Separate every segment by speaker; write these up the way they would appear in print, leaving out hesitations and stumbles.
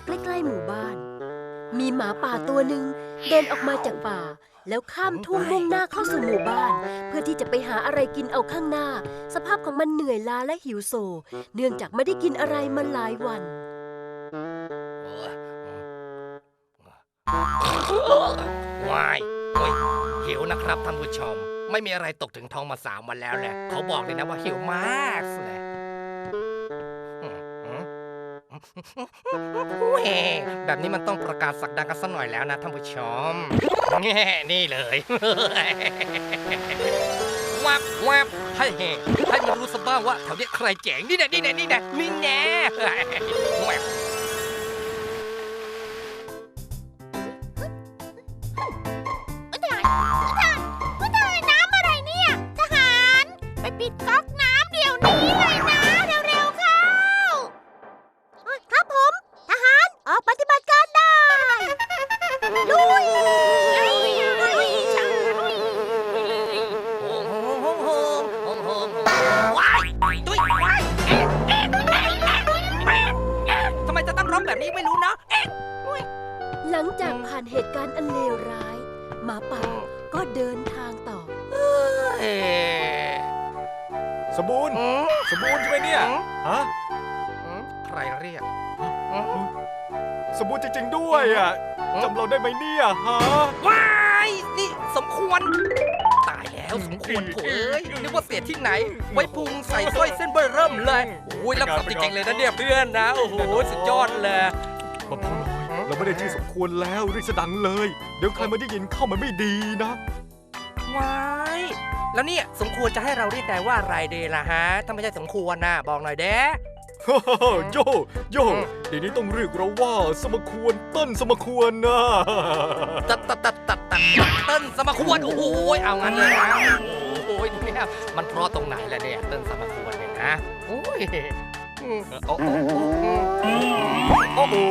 Speaker 1: ใกล้ๆหมู่บ้าน มีหมาป่าตัวหนึ่งเดินออกมาจากป่าแล้วข้ามทุ่งมุ่งหน้าเข้าสู่หมู่บ้านเพื่อที่จะไปหาอะไรกินเอาข้างหน้าสภาพของมันเหนื่อยล้าและหิวโซเนื่องจากไม่ได้กินอะไรมาหลายวัน
Speaker 2: ว้ายโอ้ยหิวนะครับท่านผู้ชมไม่มีอะไรตกถึงท้องมา3 วันแล้วแหละเขาบอกเลยนะว่าหิวมากเลยแบบนี้มันต้องประกาศสักดากันสักหน่อยแล้วนะท่านผู้ชมนี่เลยวับวับให้มันรู้สบ้างว่าแถวนี้ใครเจ๋งนี่แน่วับ
Speaker 3: น้ำอะไรเนี่ยทหารไปปิดก๊อกน้ำเดี๋ยวนี้เลยนะเร็วๆเข้าครับผมทหารออกปฏิบัติการได้ลุย
Speaker 2: ว้ายตุ้ยว้ายทำไมจะต้องร้องแบบนี้ไม่รู้นะ
Speaker 1: หลังจากผ่านเหตุการณ์อันเลวร้ายหมาป่าก็เดินทางต่อ
Speaker 4: สมบูรณ์ใช่ไหมเนี่ยฮะ
Speaker 2: ใครเรียก
Speaker 4: สมบูรณ์จริงๆด้วยอ่ะจำเราได้ไหมเนี่ยฮะ
Speaker 2: ว้ายนี่สมควรตายแล้วสมควรโถเอ้ยนึกว่าเศษที่ไหนไว้พุงใส่สร้อยเส้นเบอร์เริ่มเลยโอ้ยรับสับจริงๆเลยนะเนี่ยเพื่อนนะโอ้โหสุดยอดเลย
Speaker 4: มาพอน้อยเราไม่ได้ชื่อสมควรแล้วเรียกสดังเลยเดี๋ยวใครมาได้ยินเข้ามันไม่ดีนะ
Speaker 2: ว้ายแล้วเนี่ยสมควรจะให้เราเรียกนายว่าอะไรดีล่ะฮะถ้าไม่ใช่สมควรนะบอกหน่อยเด้
Speaker 4: โยเดี๋ยวนี้ต้องเรียกเราว่าสมควรต้นสมควรนะ
Speaker 2: ตัดเต้นสมควรโอ้โหเอางั้นเลยนะโอ้ยเนี่ยมันเพราะตรงไหนล่ะเนี่ยเต้นสมควรเนี่ยนะโอ้ยโอ้
Speaker 4: โห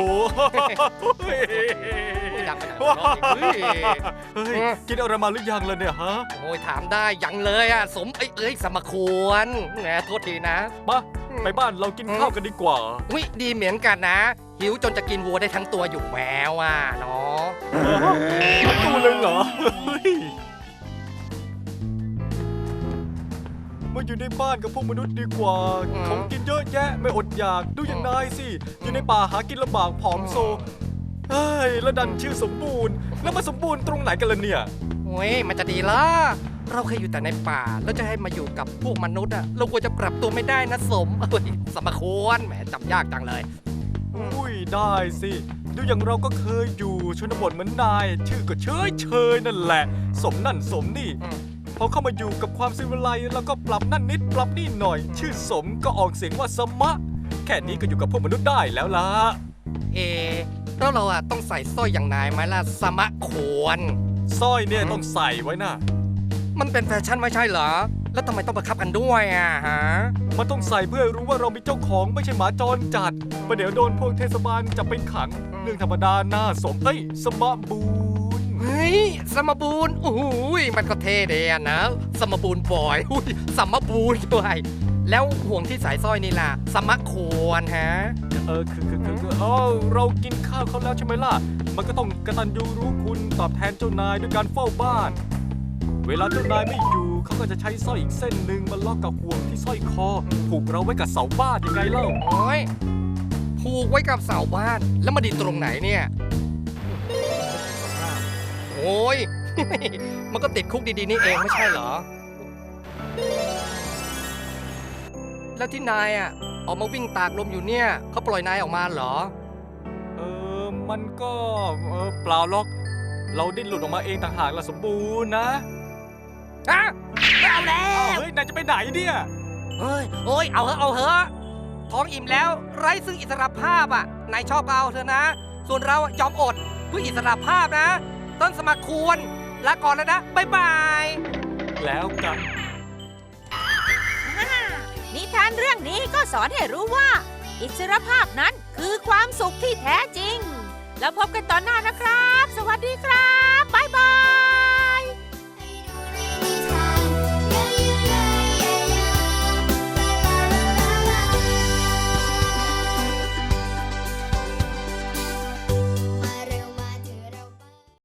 Speaker 2: ดังไปหน่อย
Speaker 4: กินอะไรมาหรือยังล่ะเนี่ยฮะ
Speaker 2: โอ้ยถามได้ยังเลยอ่ะสมสมควรแหมโทษทีนะ
Speaker 4: ไปบ้านเรากินข้าวกันดีกว่า
Speaker 2: อุ้ยดีเหมือนกันนะหิวจนจะกินวัวได้ทั้งตัวอยู่แล้วอ่ะเนาะ
Speaker 4: ทั้งตัวเลยเหรอมาอยู่ในบ้านกับพวกมนุษย์ดีกว่าของกินเยอะแยะไม่อดอยากดูอย่างนายสิอยู่ในป่าหากินลำบากผอมโซเฮ้ยแล้วดันชื่อสมบูรณ์แล้วมาสมบูรณ์ตรงไหนกันล่ะเนี่ย
Speaker 2: โอ้ยมันจะดีล่ะเราเคยอยู่แต่ในป่าแล้วจะให้มาอยู่กับพวกมนุษย์อะเราควรจะปรับตัวไม่ได้นะสมควรแหมจำยากจังเลย
Speaker 4: อุ้ยได้สิดูอย่างเราก็เคยอยู่ชนบทเหมือนนายชื่อก็เฉยนั่นแหละสมนั่นสมนี่พอเข้ามาอยู่กับความสิวิไลซ์แล้วก็ปรับนั่นนิดปรับนี่หน่อยชื่อสมก็ออกเสียงว่าสมะแค่นี้ก็อยู่กับพวกมนุษย์ได้แล้วล่ะ
Speaker 2: แล้วเราอะต้องใส่สร้อยอย่างนายไหมล่ะสมะควร
Speaker 4: สร้อยเนี่ยต้องใส่ไว้นะ
Speaker 2: มันเป็นแฟชั่นไม่ใช่เหรอแล้วทำไมต้องบังคับกันด้วยอะฮะ
Speaker 4: มันต้องใส่เพื่อรู้ว่าเรามีเจ้าของไม่ใช่หมาจรจัดประเดี๋ยวโดนพวกเทศบาลจับไปขังเรื่องธรรมดาหน้าสมสมบูรณ์
Speaker 2: เฮ้ยสมบูรณ์โอ้ยมันก็เท่ดีนะสมบูรณ์บ่อยสมบูรณ์ด้วยแล้วห่วงที่สายสร้อยนี่ล่ะสมควรฮะ
Speaker 4: คือเรากินข้าวเขาแล้วใช่ไหมล่ะมันก็ต้องกตัญญูรู้คุณตอบแทนเจ้านายด้วยการเฝ้าบ้านเวลาเจ้านายไม่อยู่เขาก็จะใช้สร้อยอีกเส้นหนึ่งมาล็อกกับห่วงที่สร้อยคอผูกเราไว้กับเสาบ้านยังไงเล่า
Speaker 2: โอ้ยผูกไว้กับเสาบ้านแล้วมาดีตรงไหนเนี่ยโอ้ยมันก็ติดคุกดีๆนี่เองไม่ใช่เหรอแล้วที่นายอ่ะออกมาวิ่งตากลมอยู่เนี่ยเขาปล่อยนายออกมาเหรอ
Speaker 4: มันก็เปล่าหรอกเราดิ้นหลุดออกมาเองต่างหากละสมบูรณ์นะ
Speaker 2: เอาแล้ว
Speaker 4: เฮ้ยนายจะไปไหนเนี่ย
Speaker 2: โอ้ยเอาเหอะท้องอิ่มแล้วไร้ซึ่งอิสรภาพอ่ะนายชอบเอาเถอะนะส่วนเรายอมอดเพื่ออิสรภาพนะต้นสมัครควรลาก่อนแล้วนะบ๊ายบาย
Speaker 4: แล้วกัน
Speaker 3: นิทานเรื่องนี้ก็สอนให้รู้ว่าอิสรภาพนั้นคือความสุขที่แท้จริงแล้วพบกันตอนหน้านะครับสวัสดีครับ